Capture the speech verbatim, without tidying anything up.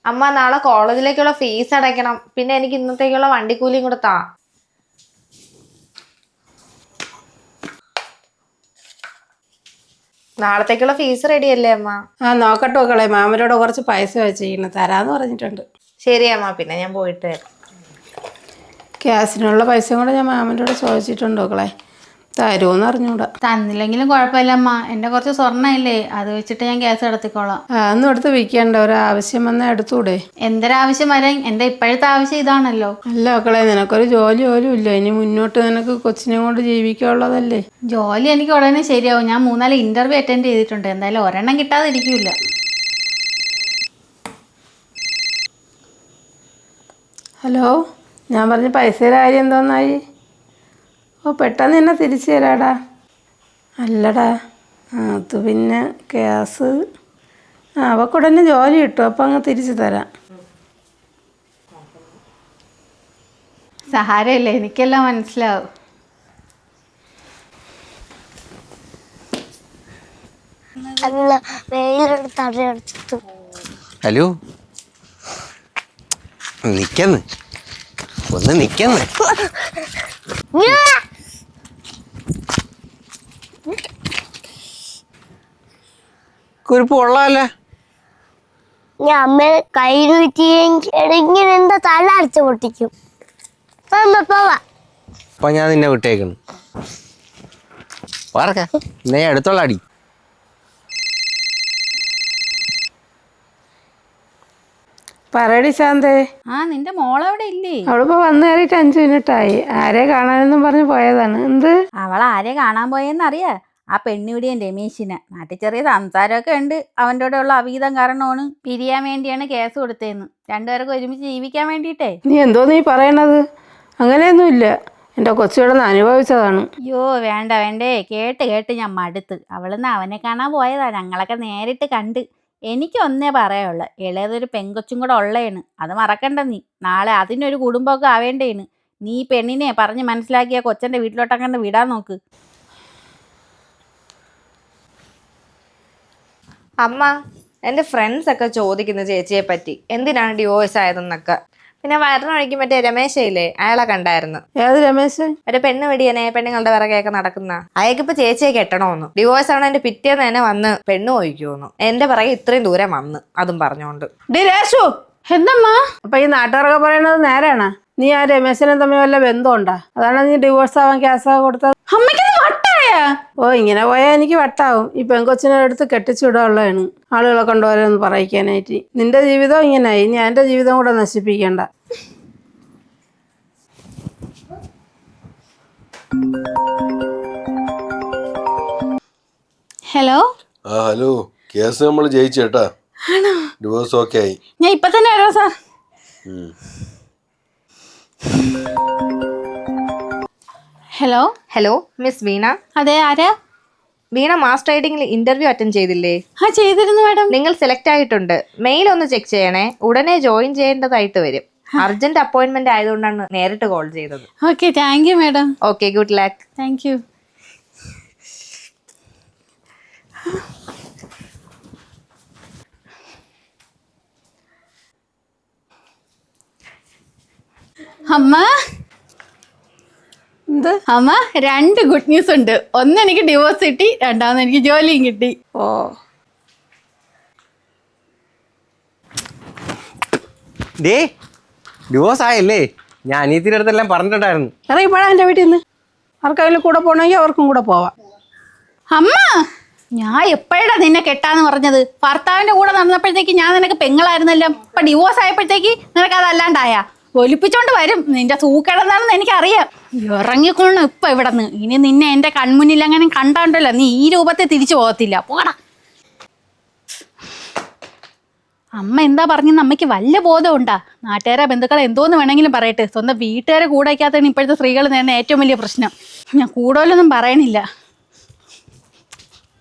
അമ്മ നാളെ കോളേജിലേക്കുള്ള ഫീസ് അടയ്ക്കണം. പിന്നെ എനിക്ക് ഇന്നത്തേക്കുള്ള വണ്ടിക്കൂലിയും കൂടെ താ. നാളത്തേക്കുള്ള ഫീസ് റെഡി അല്ലേ അമ്മ? ആ നോക്കട്ടെ മക്കളെ, മാമനോട് കുറച്ച് പൈസ വെച്ചിരിക്കണം, തരാന്ന് പറഞ്ഞിട്ടുണ്ട്. ശരി അമ്മ, പിന്നെ ഞാൻ പോയിട്ട് വരാം. ഗ്യാസിനുള്ള പൈസ കൂടെ ഞാൻ മാമനോട് ചോദിച്ചിട്ടുണ്ട് മക്കളെ, തരുമെന്ന് അറിഞ്ഞൂടാ. തന്നില്ലെങ്കിലും കുഴപ്പമില്ലമ്മ, എൻ്റെ കുറച്ച് സ്വർണ്ണമില്ലേ, അത് വെച്ചിട്ട് ഞാൻ ഗ്യാസ് എടുത്തിക്കോളാം. അതൊന്നും എടുത്ത് വിൽക്കണ്ട, ഒരാവശ്യം വന്നാൽ എടുത്തൂടെ? എന്തൊരാവശ്യം വരാൻ, എൻ്റെ ഇപ്പോഴത്തെ ആവശ്യം ഇതാണല്ലോ. അല്ല മക്കളെ, നിനക്കൊരു ജോലി പോലും ഇല്ല, ഇനി മുന്നോട്ട് നിനക്ക് കൊച്ചിനെ കൊണ്ട് ജീവിക്കാനുള്ളതല്ലേ. ജോലി എനിക്ക് ഉടനെ ശരിയാവും. ഞാൻ മൂന്നാല് ഇന്റർവ്യൂ അറ്റൻഡ് ചെയ്തിട്ടുണ്ട്, എന്തായാലും ഒരെണ്ണം കിട്ടാതിരിക്കില്ല. ഹലോ, ഞാൻ പറഞ്ഞ പൈസയുടെ കാര്യം എന്തോന്നായി? ഓ പെട്ടെന്ന് തന്നെ തിരിച്ചു തരാടാ. അല്ലടാ, അത് പിന്നെ ഗ്യാസ് ആ അവക്കുടനെ ജോലി കിട്ടും, അപ്പം അങ്ങ് തിരിച്ചു തരാം. സഹാരമില്ല, എനിക്കെല്ലാം മനസ്സിലാവും. ഹലോ, നിക്കന്ന് ഒന്ന് നിക്കന്ന്. കുരിപ്പ് കൊള്ളാല്ലേ? ഞാൻ അമ്മ കയ്യിൽ ഇങ്ങനെ എന്താ തല അടിച്ചു പൊട്ടിക്കും. പോവാ. അപ്പൊ ഞാൻ നിന്നെ വിട്ടേക്കുന്നു. പറക്ക നീ അടുത്തുള്ള അടി. പറയടി ശാന്തേ. ആ നിന്റെ മോളവിടെ ഇല്ലേ? അവളിപ്പോ വന്നു കയറിയിട്ട് അഞ്ചു മിനിറ്റായി. ആരെ കാണാനെന്നും പറഞ്ഞ് പോയതാണ്. എന്ത്? അവൾ ആരെ കാണാൻ പോയെന്നറിയാ? ആ പെണ്ണിവിടെയും രമേശിനെ. നാട്ടിൽ ചെറിയ സംസാരമൊക്കെ ഉണ്ട്. അവൻ്റെ കൂടെ ഉള്ള അവിഹിതം കാരണമാണ് പിരിയാൻ വേണ്ടിയാണ് കേസ് കൊടുത്തതെന്ന്. രണ്ടുപേർക്ക് ഒരുമിച്ച് ജീവിക്കാൻ വേണ്ടിയിട്ടേ. നീ എന്തോ നീ പറയണത്? അങ്ങനെയൊന്നുമില്ല, എൻ്റെ കൊച്ചുകിടന്ന് അനുഭവിച്ചതാണ്. അയ്യോ വേണ്ട വേണ്ടേ, കേട്ട് കേട്ട് ഞാൻ മടുത്ത്. അവളിന്ന് അവനെ കാണാൻ പോയതാ, ഞങ്ങളൊക്കെ നേരിട്ട് കണ്ട്. എനിക്ക് ഒന്നേ പറയുള്ളൂ, ഇളയതൊരു പെങ്കൊച്ചും കൂടെ ഉള്ളതാണ്. അത് മറക്കണ്ട നീ. നാളെ അതിനൊരു കുടുംബമൊക്കെ ആവേണ്ടേണ്. നീ പെണ്ണിനെ പറഞ്ഞ് മനസ്സിലാക്കിയ കൊച്ചൻ്റെ വീട്ടിലോട്ടങ്ങണ്ട് വിടാൻ നോക്ക്. അമ്മ, എൻ്റെ ഫ്രണ്ട്സ് ഒക്കെ ചോദിക്കുന്നു ചേച്ചിയെ പറ്റി, എന്തിനാണ് ഡിവോഴ്സ് ആയതെന്നൊക്കെ. പിന്നെ വരണ വഴിക്ക് മറ്റേ രമേശയില്ലേ, അയാളെ കണ്ടായിരുന്നു. ഏത് രമേശ്? മറ്റേ പെണ്ണ് വെടിയനെ പെണ്ണുങ്ങളുടെ പിറകെയൊക്കെ നടക്കുന്ന. അയാൾക്കിപ്പോ ചേച്ചിയെ കെട്ടണോന്നു. ഡിവോഴ്സ് ആവണ എന്റെ പിറ്റേന്ന് തന്നെ വന്ന് പെണ്ണ് ഒഴിക്കുമെന്നു. എന്റെ പിറകെ ഇത്രയും ദൂരം വന്ന്, അതും പറഞ്ഞോണ്ട്. ഡി രേഷു, എന്തമ്മാ? അപ്പൊ ഈ നാട്ടുകാരൊക്കെ പറയണത് നേരാണ്? നീ ആ രമേശനും തമ്മിൽ വല്ല ബന്ധമുണ്ടാ? അതാണ് നീ ഡിവോഴ്സ് ആവാൻ കേസ് കൊടുത്തത്? അമ്മയ്ക്ക് വട്ടായ? ഓ ഇങ്ങനെ പോയാൽ എനിക്ക് വട്ടാവും. ഈ പെങ്കൊച്ചിനെ എടുത്ത് കെട്ടിച്ചുവിടാനുള്ളതാണ് ആളുകളെ കൊണ്ടുവരാന്ന് പറയിക്കാനായിട്ട്. നിന്റെ ജീവിതം ഇങ്ങനായി, ഞാൻ എൻ്റെ ജീവിതം കൂടെ നശിപ്പിക്കണ്ട. ഹലോ. ആ ഹലോ, കേസ് നമ്മൾ ജയിച്ചേട്ടാ. ഡിവോഴ്സ് ഓക്കെ ആയി. ഞാൻ ഇപ്പൊ തന്നെ വരാം sir. Hello. Hello miss Veena. അതെ, ആരാ? വീണ മാസ് ട്രേഡിംഗിൽ ഇന്റർവ്യൂ അറ്റൻഡ് ചെയ്തില്ലേ? ആ ചെയ്തിരുന്നു മാഡം. നിങ്ങൾ സെലക്ട് ആയിട്ടുണ്ട്. മെയിൽ ഒന്ന് ചെക്ക് ചെയ്യണേ, ഉടനെ ജോയിൻ ചെയ്യേണ്ടതായിട്ട് വരും. അർജന്റ് അപ്പോയിന്റ്മെന്റ് ആയതുകൊണ്ടാണ് നേരിട്ട് കോൾ ചെയ്തത്. Okay, thank you madam. Okay, good luck. Thank you. അമ്മ എന്ത്? അമ്മ, രണ്ട് ഗുഡ് ന്യൂസ് ഉണ്ട്. ഒന്ന് എനിക്ക് ഡിവോഴ്സ് കിട്ടി, രണ്ടാമത് എനിക്ക് ജോലിയും കിട്ടി. ഓ ഡേ ഡിവോഴ്സ് ആയല്ലേ? ഞാൻ അനിയത്തിൻ്റെ അടുത്തെല്ലാം പറഞ്ഞിട്ടുണ്ടായിരുന്നു. ഇറങ്ങി പോടാ എൻ്റെ വീട്ടിൽ നിന്ന്. ആർക്കെങ്കിലും കൂടെ പോകണമെങ്കിൽ അവർക്കും കൂടെ പോവാം. അമ്മ, ഞാൻ എപ്പോഴാ നിന്നെ കെട്ടാന്ന് പറഞ്ഞത്? ഭർത്താവിന്റെ കൂടെ നടന്നപ്പോഴത്തേക്ക് ഞാൻ നിനക്ക് പെങ്ങളായിരുന്നല്ലോ. ഇപ്പൊ ഡിവോഴ്സ് ആയപ്പോഴത്തേക്ക് നിനക്ക് അതല്ലാണ്ടായ? ഒലിപ്പിച്ചോണ്ട് വരും. നിന്റെ സൂക്കേടെന്താണെന്ന് എനിക്കറിയാം. ഇറങ്ങിക്കൊള്ളണം ഇപ്പൊ ഇവിടെ നിന്ന്. ഇനി നിന്നെ എന്റെ കൺമുന്നിൽ അങ്ങനെ കണ്ടാണ്ടല്ലോ, നീ ഈ രൂപത്തെ തിരിച്ചു പോകത്തില്ല. പോടാ. അമ്മ എന്താ പറഞ്ഞെന്ന് അമ്മയ്ക്ക് വല്ല ബോധമുണ്ടാ? നാട്ടുകാരെ ബന്ധുക്കളെ എന്തോന്ന് വേണമെങ്കിലും പറയട്ടെ, സ്വന്തം വീട്ടുകാരെ കൂടെ വയ്ക്കാത്തതാണ് ഇപ്പോഴത്തെ സ്ത്രീകൾ നേരുന്ന ഏറ്റവും വലിയ പ്രശ്നം. ഞാൻ കൂടുതലൊന്നും പറയണില്ല.